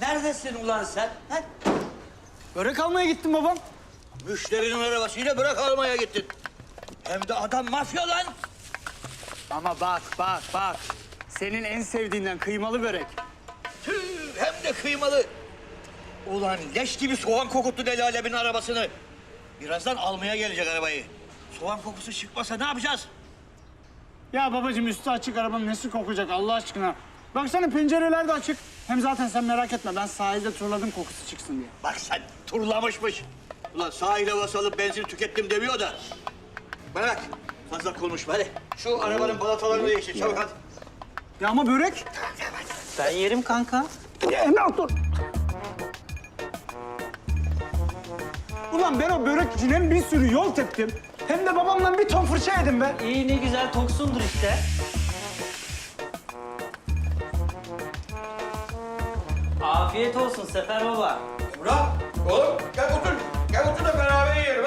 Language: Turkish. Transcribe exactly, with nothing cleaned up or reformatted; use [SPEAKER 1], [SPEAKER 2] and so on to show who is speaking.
[SPEAKER 1] Neredesin ulan sen? He?
[SPEAKER 2] Börek almaya gittim babam.
[SPEAKER 1] Müşterinin arabasıyla bırak almaya gittin. Hem de adam mafya lan.
[SPEAKER 2] Ama bak bak bak. Senin en sevdiğinden kıymalı börek.
[SPEAKER 1] Tüh, hem de kıymalı. Ulan leş gibi soğan kokuttu Deli Alev'in arabasını. Birazdan almaya gelecek arabayı. Soğan kokusu çıkmasa ne yapacağız?
[SPEAKER 2] Ya babacığım üstü açık arabanın nesi kokacak Allah aşkına. Baksana pencereler de açık. Hem zaten sen merak etme ben sahilde turladım kokusu çıksın diye.
[SPEAKER 1] Bak sen turlamışmış. Ulan sahile basalıp benzin tükettim demiyor da. Bana bak fazla konuşma hadi. Şu arabanın balatalarını değiştir çabuk hadi.
[SPEAKER 2] Ya ama börek.
[SPEAKER 3] Ben yerim kanka.
[SPEAKER 2] Ya Emrah dur. Ulan ben o börek için hem bir sürü yol teptim. Hem de babamdan bir ton fırça yedim be.
[SPEAKER 3] İyi ne güzel toksundur işte. Afiyet olsun Sefer Baba.
[SPEAKER 4] Murat, oğlum gel otur. Gel otur da beraber yiyelim